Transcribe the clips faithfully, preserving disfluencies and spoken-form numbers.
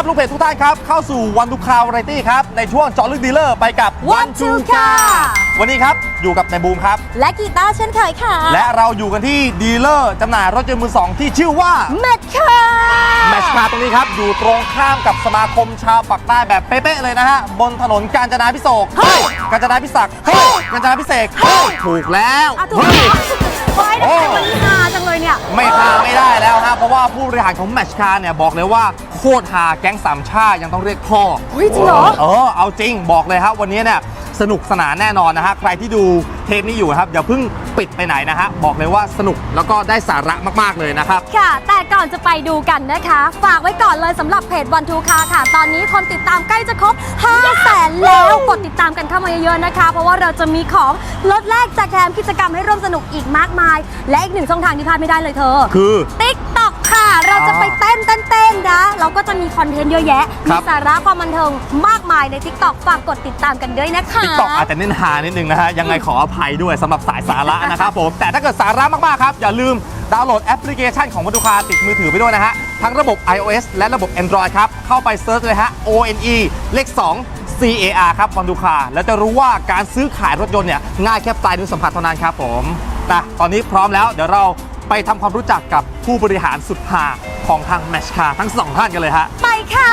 ลูกเพจทุกท่านครับเข้าสู่วันทูคาวาไรตี้ครับในช่วงเจาะลึกดีลเลอร์ไปกับ One Two ค่ะวันนี้ครับอยู่กับนายบูมครับและกีตาร์เช่นเคยค่ะและเราอยู่กันที่ดีลเลอร์จำหน่ายรถยนต์มือสองที่ชื่อว่าแมชคาแมชคาตรงนี้ครับอยู่ตรงข้ามกับสมาคมชาวปากใต้แบบเป๊ะๆเลยนะฮะบนถนนกาญจนาภิเษกเฮ้ยกาญจนาภิศักดิ์เฮ้ยกาญจนาภิเษกเฮ้ยถูกแล้วถูกแล้วโอ้ยแต่มันฮาจังเลยเนี่ยไม่ฮาไม่ได้แล้วฮะเพราะว่าผู้บริหารของแมชคาเนี่ยบอกเลยว่าโคตรฮาแก๊งสามชายังต้องเรียกพ่อเฮ้ยจริงเหรอเออเอาจริงบอกเลยครับวันนี้เนี่ยสนุกสนานแน่นอนนะฮะใครที่ดูเทปนี้อยู่ครับอย่าเพิ่งปิดไปไหนนะฮะบอกเลยว่าสนุกแล้วก็ได้สาระมากๆเลยนะครับค่ะแต่ก่อนจะไปดูกันนะคะฝากไว้ก่อนเลยสำหรับเพจวันทูคาค่ะตอนนี้คนติดตามใกล้จะครบห้าแสนแล้วกดติดตามกันเข้ามาเยอะๆนะคะเพราะว่าเราจะมีของลดแลกแจกแถมกิจกรรมให้ร่วมสนุกอีกมากมายและอีกหนึ่งช่องทางที่พลาดไม่ได้เลยเธอคือติ๊กต็อกค่ะเราจะไปเต้นเต้นเต้นนะเราก็จะมีคอนเทนต์เยอะแยะมีสาระความบันเทิงมากมายใน ติ๊กต็อก ฝากกดติดตามกันด้วยนะคะติ๊กต็อก อาจจะเน้นหานิดนึงนะฮะยังไงขออภัยด้วยสำหรับสายสาระนะครับผมแต่ถ้าเกิดสาระมากๆครับอย่าลืมดาวน์โหลดแอปพลิเคชันของวันทูคาติดมือถือไปด้วยนะฮะทั้งระบบ ไอ โอ เอส และระบบ Android ครับเข้าไปเซิร์ชเลยฮะ โอ เอ็น อี เลขสอง ซี เอ อาร์ ครับวันทูคาแล้วจะรู้ว่าการซื้อขายรถยนต์เนี่ยง่ายแค่ปลายนิ้วสัมผัสเท่านั้นครับผมนะตอนนี้พร้อมแล้วเดี๋ยวเราไปทำความรู้จักกับผู้บริหารสุดฮาของทางแมชคาทั้งสองท่านกันเลยฮะไปค่ะ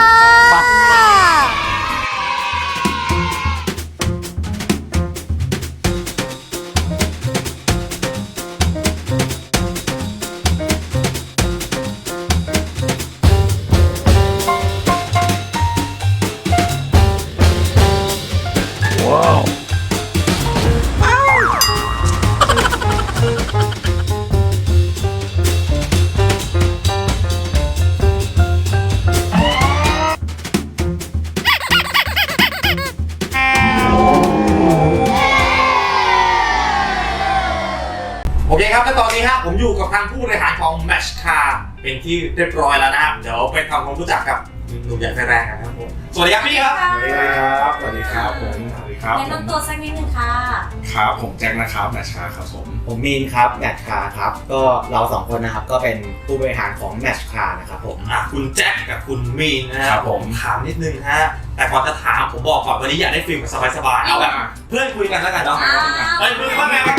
โอเคครับและตอนนี้ครับผมอยู่กับทางผู้บริหารของ Match Car เป็นที่เรียบร้อยแล้วนะครับเดี๋ยวไปทำความรู้จักกับหนุ่มใหญ่ไฟแรงกันครับผมสวัสดีครับพี่ครับสวัสดีครับสวัสดีครับผมสวัสดีครับแนะนำตัวสักนิดนึงค่ะครับผมแจ็คนะครับแมชคาครับผมผมมีนครับแมชคาครับก็เราสองคนนะครับก็เป็นผู้บริหารของแมชคานะครับผมอ่ะคุณแจ็คกับคุณมีนนะครับผมถามนิดนึงฮะแต่ก่อนจะถามผมบอกก่อนวันนี้อยากได้ฟิลแบบสบายๆเอาแบบเพื่อนคุยกันแล้วกันเนาะเฮ้ยมึงว่าไงวะ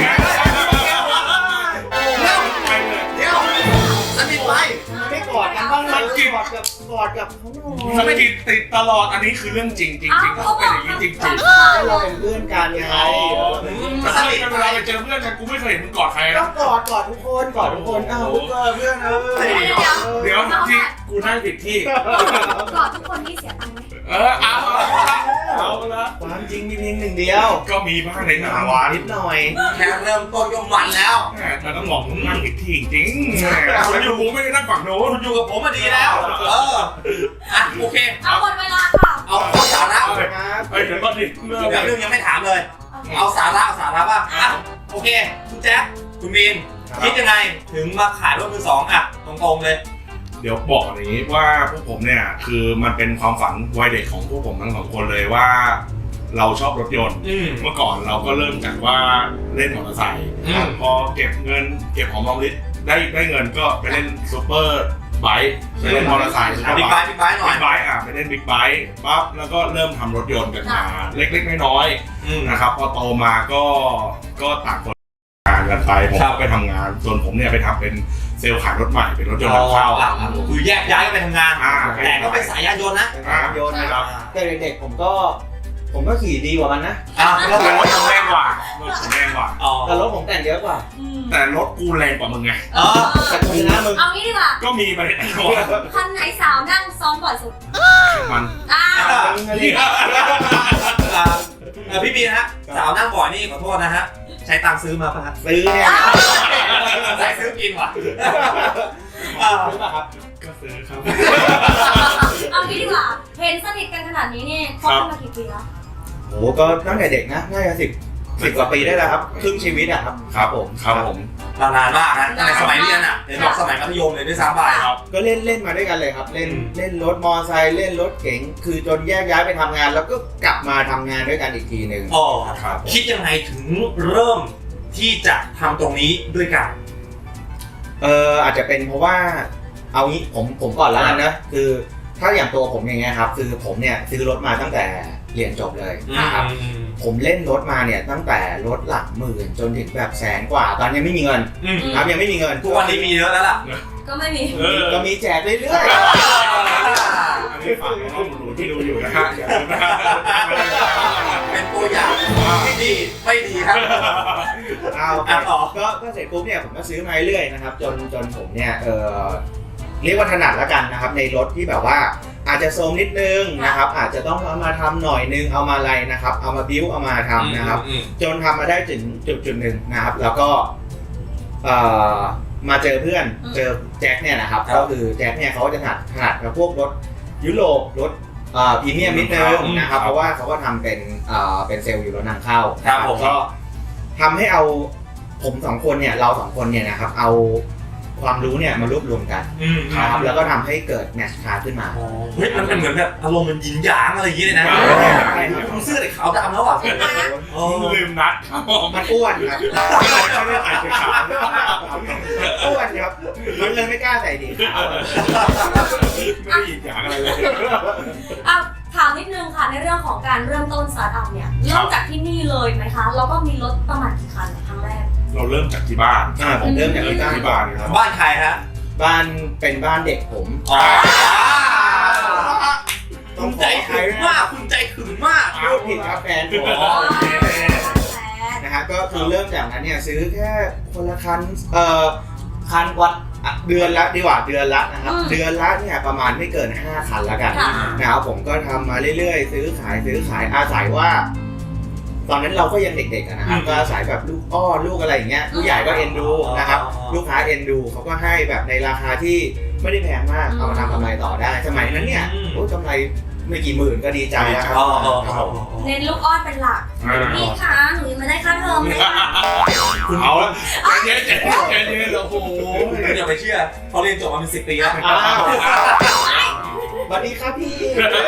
เดี๋ยวสนิทไปไม่กอดกันบ้างเลยกอดกับกอดกับเขาสนิทติดตลอดอันนี้คือเรื่องจริงจริงจริงเขาเป็นอย่างนี้จริงจริงเราเป็นเพื่อนกันไงแต่สนิทเวลาไปเจอเพื่อนกันกูไม่เคยเห็นมึงกอดใครก็กอดกอดทุกคนกอดทุกคนอ้าวเพื่อนเอ้ยเดี๋ยวที่กูนั่งผิดที่กอดทุกคนนี่เสียตังค์ไหมเออเอาเอาละความจริงมีเพียงหนึ่งเดียวก็มีบ้างในงานวานิดหน่อยแค่เริ่มต้นก็มันแล้วแต่ต้องบอกมึงนั่งผิดที่จริงคุณอยู่กูไม่ได้นั่งฝั่งโน้นคุณอยู่กับผมมาดีแล้วเอออ่ะโอเคเอาหมดเวลาค่ะเอาสาระเลยเฮ้ยเดี๋ยวก่อนดิเรื่องเรื่องยังไม่ถามเลยเอาสาระเอาสาระป่ะอ่ะโอเคคุณแจ๊คคุณมีนคิดยังไงถึงมาขายรถมือสองอ่ะตรงๆเลยเดี๋ยวบอกอย่างนี้ว่าพวกผมเนี่ยคือมันเป็นความฝันวัยเด็กของพวกผมทั้งสองคนเลยว่าเราชอบรถยนต์เมื่อก่อนเราก็เริ่มจากว่าเล่นมอเตอร์ไซค์พอเก็บเงินเก็บของรอมริบได้ได้เงินก็ไปเล่นซูเปอร์ไบค์ไปเล่นมอเตอร์ไซค์บิ๊กไบค์บิ๊กไบค์หน่อยบิ๊กไบค์อ่ะไปเล่นบิ๊กไบค์ปั๊บแล้วก็เริ่มทำรถยนต์กันมาเล็กๆน้อยๆนะครับพอโตมาก็ก็ต่างคนงานกันไปผมก็ไปทำงานส่วนผมเนี่ยไปทำเป็นเซลล์ขายรถใหม่เป็นรถยนต์นำเข้าคือแยกย้ายกันไปทำงานแต่ก็เป็นสายยานยนต์นะสายยานยนต์นะครับแต่เด็กๆผมก็ผมก็ขี่ดีกว่ามันนะอ่าแล้วรถผมแรงกว่ารถผมแรงกว่าแต่รถผมแต่งเยอะกว่าแต่รถกูแรงกว่ามึงไงเออแต่กูนะมึงเอางี้ดีกว่าก็มีไปคันไหนสาวนั่งซ้อนบ่อยสุดมันอ่าพี่บีนะฮะสาวนั่งบ่อยนี่ขอโทษนะฮะใช้ตังค์ซื้อมาป่ะซื้อเนี่ยใช้ซื้อกินว่ะซื้อป่ะครับก็ซื้อครับเอางี้ดีกว่าเห็นสนิทกันขนาดนี้นี่คบกันมากี่ปีแล้วโอ้ก็ตั้งแต่เด็กนะน่าจะสิบสิบกว่าปีได้แล้วครับครึ่งชีวิตอะครับครับผมครับผมนานมากนะตั้งแต่สมัยเรียนอ่ะเรียนสมัยมัธยมเลยด้วยซ้ำไปก็เล่นเล่นมาด้วยกันเลยครับเล่นเล่นรถมอไซค์เล่นรถเก๋งคือจนแยกย้ายไปทำงานแล้วก็กลับมาทำงานด้วยกันอีกทีหนึ่งอ๋อครับคิดยังไงถึงเริ่มที่จะทำตรงนี้ด้วยกันเอออาจจะเป็นเพราะว่าเอางี้ผมผมก่อนแล้วกันนะคือถ้าอย่างตัวผมอย่างเงี้ยครับคือผมเนี่ยซื้อรถมาตั้งแต่เรียนจบเลยนะครับผมเล่นรถมาเนี่ยตั้งแต่รถหลักหมื่นจนถึงแบบแสนกว่าตอนยังไม่มีเงินครับยังไม่มีเงินทุกวันนี้มีเยอะแล้วล่ะก็ไม่มีก็มีแจกเรื่อยอันนี้ฝากน้องหนูที่ดูอยู่นะฮะอย่าลืมนะเป็นตัวอย่างที่ดีไม่ดีครับๆเอาอ่ะต่อก็ก็เสร็จปุ๊บเนี่ยผมก็ซื้อมาเรื่อยๆนะครับจนจนผมเนี่ยเออเรียกว่าถนัดแล้วกันนะครับในรถที่แบบว่าอาจจะโซมนิดนึงนะครับอาจจะต้องเอามาทำหน่อยนึงเอามาอะไรนะครับเอามาบิ้วเอามาทำนะครับจนทำมาได้ถึงจุดจุดหนึ่งนะครับแล้วก็เอ่อมาเจอเพื่อนเจอแจ็คเนี่ยนะครับก็คือแจ็คเนี่ยเขาจะถนัดถนัดกับพวกรถยุโรปรถพรีเมียมนิดนึงนะครับเพราะว่าเขาก็ทำเป็นเอ่อเป็นเซลล์อยู่รถนำเข้าครับผมก็ทำให้เอาผมสองคนเนี่ยเราสองคนเนี่ยนะครับเอาความรู้เนี่ยมารวบรวมกันนะครับแล้วก็ทำให้เกิดแมชคาร์ขึ้นมาเฮ้ยมันเป็นเหมือนแบบอารมณ์มันยินหยางอะไรอย่างเงี้ยเลยนะคุณเสื้อแต่ขาวดำแล้วอ่ะลืมนัดครับมันอ้วนครับไม่ได้ใส่เสื้อขาวอ้วนครับมันเลยไม่กล้าใส่ดีขาวไม่ได้หยิบอย่างอะไรเลยอ่ะถามนิดนึงค่ะในเรื่องของการเริ่มต้นสตาร์ทอัพเนี่ยเริ่มจากที่นี่เลยไหมคะแล้วก็มีรถประมาณกี่คันครั้งแรกเราเริ่มจากที่บ้านอ่าผมเริ่มจากที่บ้านที่บ้านครับบ้านใครฮะบ้านเป็นบ้านเด็กผมคุณใจขึงมากคุณใจขึงมากพูดผิดครับแฟนผมนะฮะก็คือเริ่มจากนั้นเนี่ยซื้อแค่คนละคันเอ่อคันวัดเดือนละดีกว่าเดือนละนะครับเดือนละเนี่ยประมาณไม่เกินห้าคันละกันนะครับผมก็ทำมาเรื่อยๆซื้อขายซื้อขายอาศัยว่าตอนนั้นเราก็ยังเด็กๆนะครับก็อาศัยแบบลูกอ้อนลูกอะไรอย่างเงี้ยผู้ใหญ่ก็เอ็นดูนะครับลูกค้าเอ็นดูเขาก็ให้แบบในราคาที่ไม่ได้แพงมากเอามาทำกำไรต่อได้สมัยนั้นเนี่ยโอ้กำไรไม่กี่หมื่นก็ดีใจแล้วครับเน้นลูกอ้อนเป็นหลักพี่คะหนูยังไม่ได้ค่าเทอมเลยค่ะคุณเอาละเจ๊เจ๊เจ๊เจ๊โอ้โหคุณอย่าไปเชื่อเขาเรียนจบมาเป็นสิบปีแล้วสวัสดีครับพี่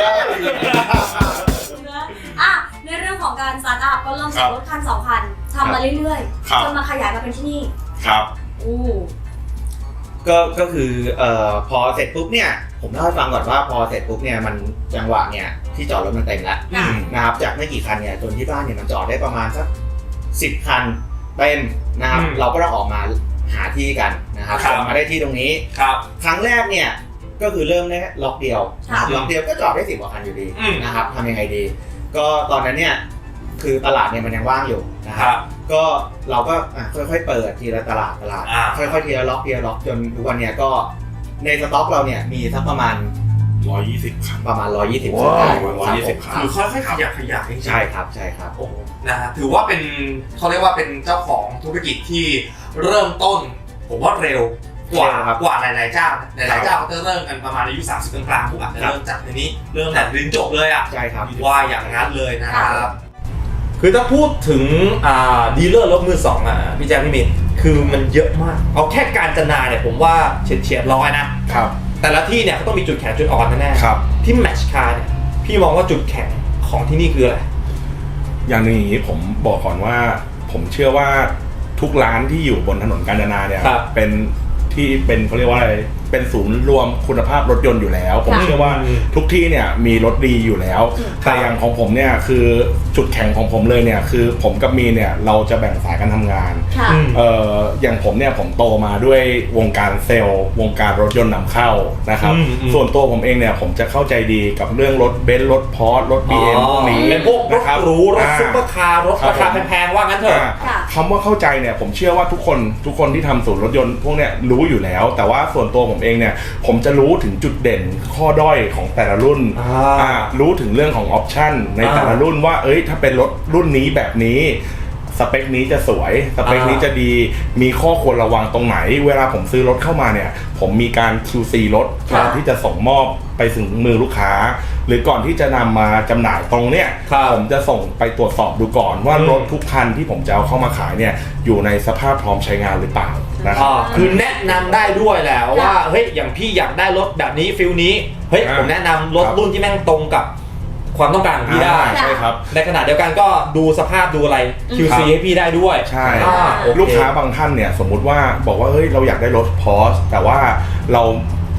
อ่ะในเรื่องของการสตาร์ทอัพก็เริ่มจากรถคันสองคันทำมาเรื่อยๆจนมาขยายมาเป็นที่นี่ครับอู้ก็ก็คือเอ่อพอเสร็จปุ๊บเนี่ยผมเล่าให้ฟังก่อนว่าพอเสร็จปุ๊บเนี่ยมันจังหวะเนี่ยที่จอดรถมันเต็มแล้วนะครับจากไม่กี่คันเนี่ยจนที่บ้านเนี่ยมันจอดได้ประมาณสักสิบคันเต็มนะครับเราก็ต้องออกมาหาที่กันนะครับจนมาได้ที่ตรงนี้ครับครั้งแรกเนี่ยก็คือเริ่มได้ล็อกเดียวล็อกเดียวก็จอดได้สิบกว่าคันอยู่ดีนะครับทำยังไงดีก็ตอนนั้นเนี่ยคือตลาดเนี่ยมันยังว่างอยู่นะครับก็เราก็ค่อยๆเปิดทีละตลาดตลาดค่อยๆทีละล็อกทีละล็อกจนทุกวันเนี่ยก็ในสต็อกเราเนี่ยมีสักประมาณหนึ่งร้อยยี่สิบคันประมาณหนึ่งร้อยยี่สิบว้าวหนึ่งร้อยยี่สิบคันคือค่อยๆขยับขยายจริงๆใช่ครับใช่ครับโอ้นะฮะถือว่าเป็นเขาเรียกว่าเป็นเจ้าของธุรกิจที่เริ่มต้นผมว่าเร็วกว่ากว่าหลายๆเจ้าหลายๆเจ้าเขาจะเริ่มกันประมาณอายุสามสิบกลางๆพวกอาจจะเริ่มจากทีนี้เริ่มแต่เรียนจบเลยอ่ะใช่ครับว่าอย่างนั้นเลยนะครับคือถ้าพูดถึงอ่าดีลเลอร์รถมือสองอ่ะพี่แจ๊คพี่มินคือมันเยอะมากเอาแค่การจนาเนี่ยผมว่าเฉียดเฉียดร้อยนะครับแต่ละที่เนี่ยเขาต้องมีจุดแข็งจุดอ่อนแน่ๆครับที่แมชคาร์เนี่ยพี่มองว่าจุดแข็งของที่นี่คืออะไรอย่างนี้ผมบอกก่อนว่าผมเชื่อว่าทุกร้านที่อยู่บนถนนกาญจนาเนี่ยเป็นที่เป็นเขาเรียกว่าอะไรเป็นศูนย์รวมคุณภาพรถยนต์อยู่แล้วผมเชื่อว่าทุกที่เนี่ยมีรถดีอยู่แล้วแต่อย่างของผมเนี่ยคือจุดแข็งของผมเลยเนี่ยคือผมกับมีเนี่ยเราจะแบ่งสายการทำงานเอ่ออย่างผมเนี่ยผมโตมาด้วยวงการเซลล์วงการรถยนต์นำเข้านะครับส่วนตัวผมเองเนี่ยผมจะเข้าใจดีกับเรื่องรถเบนซ์รถพอร์ชรถ บี เอ็ม พวกนี้เป็นพวกรถหรูรถซุปเปอร์คาร์รถราคาแพงๆว่างั้นเถอะคำว่าเข้าใจเนี่ยผมเชื่อว่าทุกคนทุกคนที่ทำศูนย์รถยนต์พวกเนี้ยรู้อยู่แล้วแต่ว่าส่วนตัวผมเองเนี่ยผมจะรู้ถึงจุดเด่นข้อด้อยของแต่ละรุ่นรู้ถึงเรื่องของออปชั่นในแต่ละรุ่นว่าเอ้ยถ้าเป็นรถรุ่นนี้แบบนี้สเปคนี้จะสวยสเปคนี้จะดีมีข้อควรระวังตรงไหนเวลาผมซื้อรถเข้ามาเนี่ยผมมีการ คิว ซี รถก่อนที่จะส่งมอบไปถึงมือลูกค้าหรือก่อนที่จะนำมาจำหน่ายตรงเนี้ยผมจะส่งไปตรวจสอบดูก่อนว่ารถทุกคันที่ผมจะเอาเข้ามาขายเนี่ยอยู่ในสภาพพร้อมใช้งานหรือเปล่านะครับคือแนะนำได้ด้วยแหละว่าเฮ้ยอย่างพี่อยากได้รถแบบนี้ฟิลนี้เฮ้ยผมแนะนำรถรุ่นที่แม่งตรงกับความต้องการของพี่ได้ใช่ครับในขณะเดียวกันก็ดูสภาพดูอะไร คิว ซี ให้พี่ได้ด้วยใช่ลูกค้าบางท่านเนี่ยสมมุติว่าบอกว่าเฮ้ยเราอยากได้รถพอร์ชแต่ว่าเรา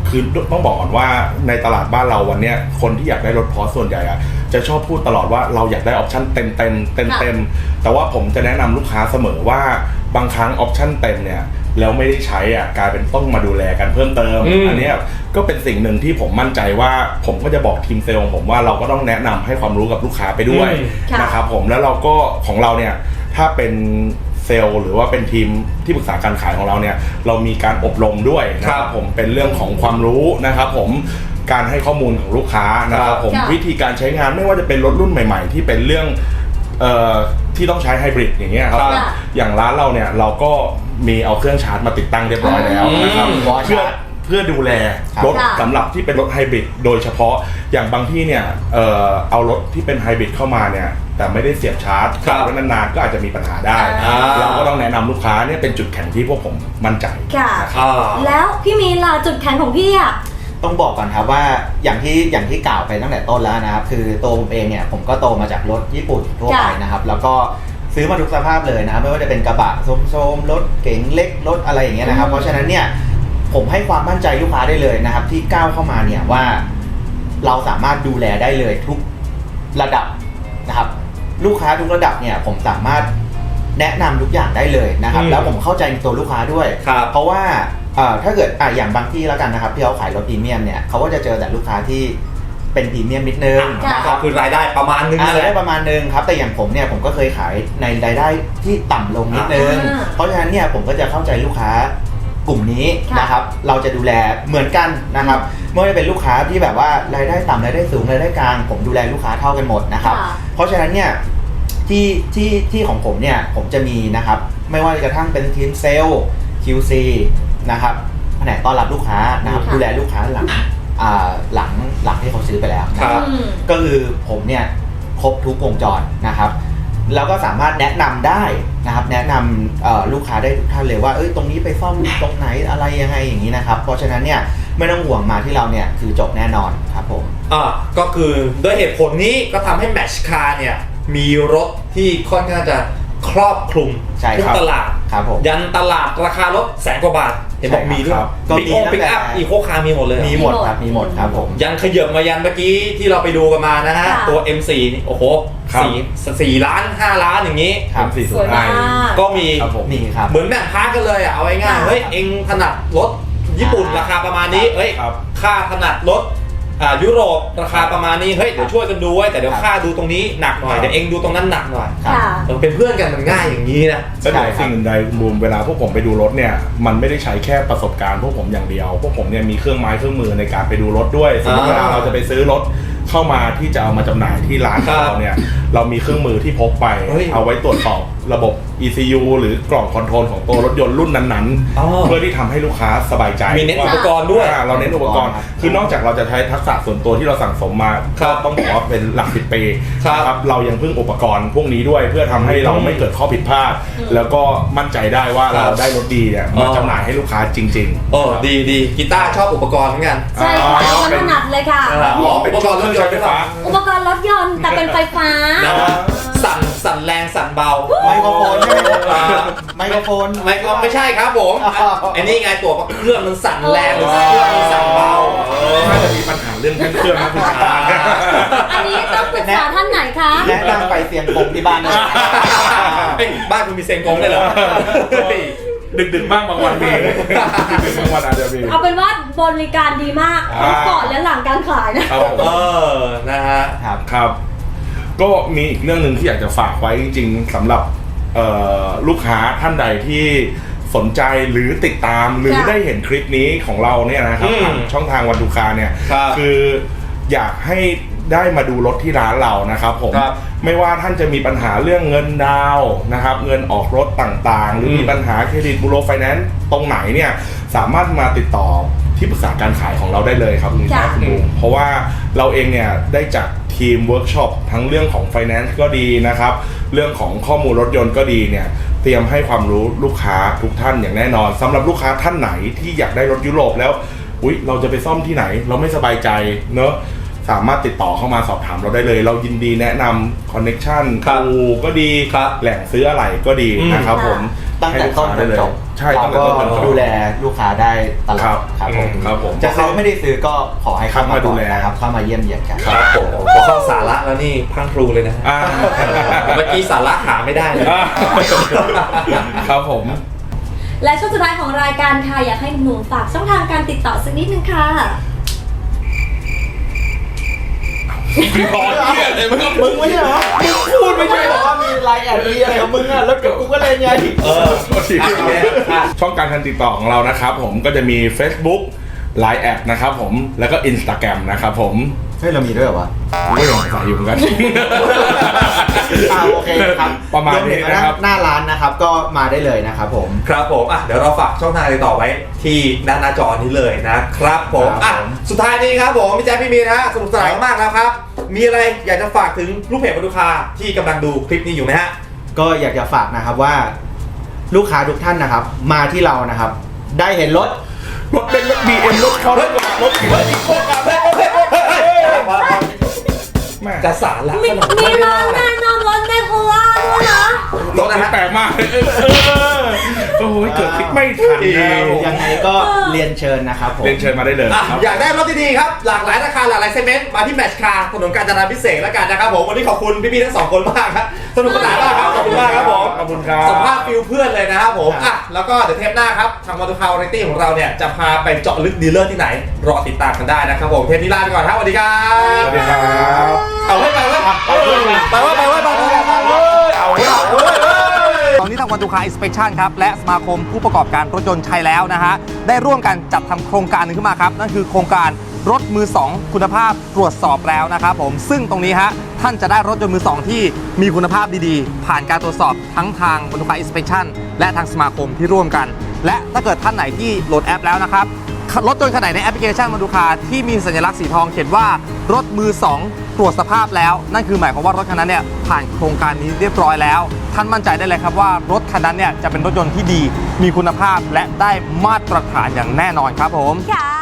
คือต้องบอกก่อนว่าในตลาดบ้านเราวันเนี้ยคนที่อยากได้รถพอร์ชส่วนใหญ่อะจะชอบพูดตลอดว่าเราอยากได้ออปชั่นเต็มเต็มเต็มเต็มแต่ว่าผมจะแนะนำลูกค้าเสมอว่าบางครั้งออปชั่นเต็มเนี่ยแล้วไม่ได้ใช้อ่ะกลายเป็นต้องมาดูแลกันเพิ่มเติม อันเนี้ยก็เป็นสิ่งหนึ่งที่ผมมั่นใจว่าผมก็จะบอกทีมเซลล์ของผมว่าเราก็ต้องแนะนำให้ความรู้กับลูกค้าไปด้วยนะครับผมแล้วเราก็ของเราเนี่ยถ้าเป็นเซลล์หรือว่าเป็นทีมที่ปรึกษาการขายของเราเนี่ยเรามีการอบรมด้วยนะครับผมเป็นเรื่องของความรู้นะครับผมการให้ข้อมูลของลูกค้านะครับผมวิธีการใช้งานไม่ว่าจะเป็นรถรุ่นใหม่ๆที่เป็นเรื่องเอ่อที่ต้องใช้ไฮบริดอย่างเงี้ยครับอย่างร้านเราเนี่ยเราก็มีเอาเครื่องชาร์จมาติดตั้งเรียบร้อยแล้วนะครับเพื่อเพื่อดูแลรถสำหรับที่เป็นรถไฮบริดโดยเฉพาะอย่างบางที่เนี่ยเอ่อเอารถที่เป็นไฮบริดเข้ามาเนี่ยแต่ไม่ได้เสียบชาร์จขับไว้นานๆก็อาจจะมีปัญหาได้เราก็ต้องแนะนำลูกค้าเนี่ยเป็นจุดแข็งที่พวกผมมั่นใจค่ะแล้วพี่มีนล่ะจุดแข็งของพี่อ่ะต้องบอกก่อนครับว่าอย่างที่อย่างที่กล่าวไปตั้งแต่ต้นแล้วนะครับคือตัวผมเองเนี่ยผมก็โตมาจากรถญี่ปุ่นทั่วไปนะครับแล้วก็ซื้อมาทุกสภาพเลยนะครับไม่ว่าจะเป็นกระบะโซมๆรถเก๋งเล็กรถอะไรอย่างเงี้ยนะครับเพราะฉะนั้นเนี่ยผมให้ความมั่นใจลูกค้าได้เลยนะครับที่ก้าวเข้ามาเนี่ยว่าเราสามารถดูแลได้เลยทุกระดับนะครับลูกค้าทุกระดับเนี่ยผมสามารถแนะนำทุกอย่างได้เลยนะครับแล้วผมเข้าใจตัวลูกค้าด้วยเพราะว่าถ้าเกิดอ่ะอย่างบางที่แล้วกันนะครับที่เขาขายรถพรีเมียมเนี่ยเขาก็จะเจอแต่ลูกค้าที่เป็นพรีเมียมนิดนึงนะครับคือรายได้ประมาณนึงรายได้ประมาณนึงครับแต่อย่างผมเนี่ยผมก็เคยขายในรายได้ที่ต่ำลงนิดนึงเพราะฉะนั้นเนี่ยผมก็จะเข้าใจลูกค้ากลุ่มนี้นะครับเราจะดูแลเหมือนกันนะครับไม่ว่าจะเป็นลูกค้าที่แบบว่ารายได้ต่ำรายได้สูงรายได้กลางผมดูแลลูกค้าเท่ากันหมดนะครับเพราะฉะนั้นเนี่ยที่ที่ที่ของผมเนี่ยผมจะมีนะครับไม่ว่าจะกระทั่งเป็นทีมเซลล์ คิว ซี นะครับแผนกต้อนรับลูกค้านะครับดูแลลูกค้าหลังหลังหลังที่เขาซื้อไปแล้วนะครับก็คือผมเนี่ยครบทุกวงจรนะครับแล้วก็สามารถแนะนำได้นะครับแนะนำลูกค้าได้ทุกท่านเลยว่าเอ้ยตรงนี้ไปซ่อมตรงไหนอะไรยังไงอย่างนี้นะครับเพราะฉะนั้นเนี่ยไม่ต้องห่วงมาที่เราเนี่ยคือจบแน่นอนครับผมอ่าก็คือด้วยเหตุผลนี้ก็ทำให้แมชคาร์เนี่ยมีรถที่ค่อนข้างจะครอบคลุมทุกตลาดยันตลาดราคารถแสนกว่าบาทเห็นบอกมีด้วยก็มีปิกอัพอีโคคาร์มีหมดเลยมีหมดครับมีหมดครับผมยันขยับมายันเมื่อกี้ที่เราไปดูกันมานะฮะตัว เอ็ม โฟร์ นี่โอ้โหสี่สี่ล้านห้าล้านอย่างนี้สวยมากก็มีมีครับเหมือนแบ่งพาร์ทกันเลยอ่ะเอาง่ายๆเฮ้ยเองถนัดรถญี่ปุ่นราคาประมาณนี้เอ้ยค่าถนัดรถอ่ายุโรปราคาประมาณนี้เฮ้ยเดี๋ยวช่วยกันดูไว้แต่เดี๋ยวค่าดูตรงนี้หนักหน่อยเดี๋ยวเองดูตรงนั้นหนักหน่อยเราเป็นเพื่อนกันมันง่ายอย่างนี้นะแต่สิ่งอื่นใดรวมเวลาพวกผมไปดูรถเนี่ยมันไม่ได้ใช้แค่ประสบการณ์พวกผมอย่างเดียวพวกผมเนี่ยมีเครื่องไม้เครื่องมือในการไปดูรถด้วยสมมติเวลาเราจะไปซื้อรถเข้ามาที่จะเอามาจำหน่ายที่ร้านของเราเนี่ยเรามีเครื่องมือที่พกไปเอาไว้ตรวจสอบระบบ อี ซี ยู หรือกล่องคอนโทรลของตัวรถยนต์รุ่นนั้นๆเพื่อที่ทำให้ลูกค้าสบายใจมีเน้นอุปกรณ์ด้วยเราเน้นอุปกรณ์คือนอกจากเราจะใช้ทักษะส่วนตัวที่เราสั่งสมมาก็ต้องบอกว่าเป็นหลักสิบปีครับเรายังพึ่งอุปกรณ์พวกนี้ด้วยเพื่อทำให้เราไม่เกิดข้อผิดพลาดแล้วก็มั่นใจได้ว่าเราได้รถดีเนี่ยมาจำหน่ายให้ลูกค้าจริงๆโอ้ดีดีกีตาร์ชอบอุปกรณ์เหมือนกันใช่ค่ะมันถนัดเลยค่ะอ๋อเป็นอุปกรณ์รถยนต์ไฟฟ้าอุปกรณ์รถยนต์แต่เป็นไฟฟ้าสั่นสั่นแรงสั่นเบาไมโครโฟนใช่ไหมไมโครโฟนไม่ไม่ใช่ครับผมไอ้นี่ไงตัวเครื่องมันสั่นแรงหรือเครื่องมันสั่นเบาน่าจะมีปัญหาเรื่องเครื่องนะคุณชาอันนี้ต้องปรึกษาท่านไหนคะแนะนำไปเสียงกงที่บ้านนะบ้านคุณมีเสียงกงได้เหรอดึกดึกบ้างบางวันมีดึกบางวันอาจจะมีเอาเป็นว่าบริการดีมากทั้งก่อนและหลังการขายนะเออนะฮะครับครับก็มีอีกเรื่องหนึ่งที่อยากจะฝากไว้จริงๆสำหรับลูกค้าท่านใดที่สนใจหรือติดตามหรือได้เห็นคลิปนี้ของเราเนี่ยนะครับทางช่องทางวันดูคาเนี่ยคืออยากให้ได้มาดูรถที่ร้านเรานะครับผมไม่ว่าท่านจะมีปัญหาเรื่องเงินดาวนะครับเงินออกรถต่างๆหรือมีปัญหาเครดิตบูโรไฟแนนซ์ตรงไหนเนี่ยสามารถมาติดต่อที่ปรึกษาการขายของเราได้เลยครับคุณแม่คุณบูมเพราะว่าเราเองเนี่ยได้จัดทีมเวิร์กช็อปทั้งเรื่องของไฟแนนซ์ก็ดีนะครับเรื่องของข้อมูลรถยนต์ก็ดีเนี่ยเตรียมให้ความรู้ลูกค้าทุกท่านอย่างแน่นอนสำหรับลูกค้าท่านไหนที่อยากได้รถยุโรปแล้วอุ๊ยเราจะไปซ่อมที่ไหนเราไม่สบายใจเนอะสามารถติดต่อเข้ามาสอบถามเราได้เลยเรายินดีแนะนำคอนเนคชั่นคูก็ดีแหล่งซื้ออะไรก็ดีนะครับผมตั้งแต่ต้นจนจบใช่เราตั้งแต่ก็ต้นจนจบดูแลลูกค้าได้ตลอดครับครับผมอืมครับผมจะซื้อไม่ได้ซื้อก็ขอให้เข้ามาเข้ามาดูแลก่อนนะครับเข้ามาเยี่ยมเยียนกันครับผมพอเข้าสาระแล้วนี่พรังพรูเลยนะฮะอ่าเมื่อกี้สาระหาไม่ได้เลยอ่าครับผมและช่วงสุดท้ายของรายการค่ะอยากให้หนูฝากช่องทางการติดต่อสักนิดนึงค่ะรอเนี่ยเลยมึงมึงไม่ใช่เหรอมึงพูดไม่ใช่เหรอว่ามีไลน์แอดมีอะไรของมึงอ่ะแล้วเดี๋ยวกูก็เล่นไงเออช่องการการติดต่อของเรานะครับผมก็จะมี Facebook ไลน์ แอดนะครับผมแล้วก็ Instagram นะครับผมเฮ้ยเรามีด้วยเหรอวะก็ยังใส่อยู่เหมือนกันอ่าโอเคครับประมาณนี้นะครับหน้าร้านนะครับก็มาได้เลยนะครับผมครับผมอ่ะเดี๋ยวเราฝากช่องทางติดต่อไว้ที่ด้านหน้าจอนี้เลยนะครับผมครับอ่ะผมสุดท้ายนี้ครับผมพี่แจ๊คพี่มีนฮะสนุกสนานมากแล้วครับ มีอะไรอยากจะฝากถึงลูกเพจวัตถุคาที่กำลังดูคลิปนี้อยู่ไหมฮะก็อยากจะฝากนะครับว่า ลูกค้าทุกท่านนะครับ มาที่เรานะครับ ได้เห็นรถรถเป็นรถ บี เอ็ม รถเขารถกระบะรถเฮ้ยโคตรเฮ้ยเฮ้ยเฮ้ยเฮ้ยแม่จะสารละมีขนาดมีไม่ร้าได้นแน่นอนรถในโคราชด้วยนะรถนี้แปลกมากเลยเออเออโอ้โหเกิดคลิกไม่ทันนะครับผมยังไงก็เรียนเชิญนะครับผมเรียนเชิญมาได้เลยอ่ะครับอยากได้รถดีๆครับ หลากหลายราคาหลากหลายเซกเมนต์มาที่แมชคาร์ถนนกาญจนาพิเศษกแล้วกันนะครับผมวันนี้ขอบคุณพี่ๆทั้งสองคนมากครับสนุกสนานมากครับขอบคุณมากครับผมขอบคุณครับสัมภาษณ์ฟิลเพื่อนเลยนะครับผมอ่ะแล้วก็เดี๋ยวเทปหน้าครับทางมอเตอร์คาร์วาไรตี้ของเราเนี่ยจะพาไปเจาะลึกดีลเลอร์ที่ไหนรอติดตามกันได้นะครับผมเทปนี้ลาไปก่อนครับสวัสดีครับสวัสดีครับเอาไว้ไปไว้ไปไว้ไปไว้ไปไว้ไปไว้ไปไว้เอาไว้เอาไว้ตอนนี้ทางวันดูคาอินสเปคชั่นครับและสมาคมผู้ประกอบการรถยนต์ไทยแล้วนะฮะได้ร่วมกันจัดทำโครงการหนึงขึ้นมาครับนั่นคือโครงการรถมือสองคุณภาพตรวจสอบแล้วนะครับผมซึ่งตรงนี้ฮะท่านจะได้รถยนต์มือสองที่มีคุณภาพดีๆ ผ่านการตรวจสอบทั้งทางวันดูคาอินสเปคชั่นและทางสมาคมที่ร่วมกัน และถ้าเกิดท่านไหนที่โหลดแอปแล้วนะครับรถยนต์คันไหนในแอปพลิเคชันวันดูคาที่มีสัญลักษณ์สีทองเขียนว่ารถมือสองตรวจสภาพแล้วนั่นคือหมายความว่ารถคันนั้นเนี่ยผ่านโครงการนี้เรียบร้อยแล้วท่านมั่นใจได้เลยครับว่ารถคันนั้นเนี่ยจะเป็นรถยนต์ที่ดีมีคุณภาพและได้มาตรฐานอย่างแน่นอนครับผมค่ะ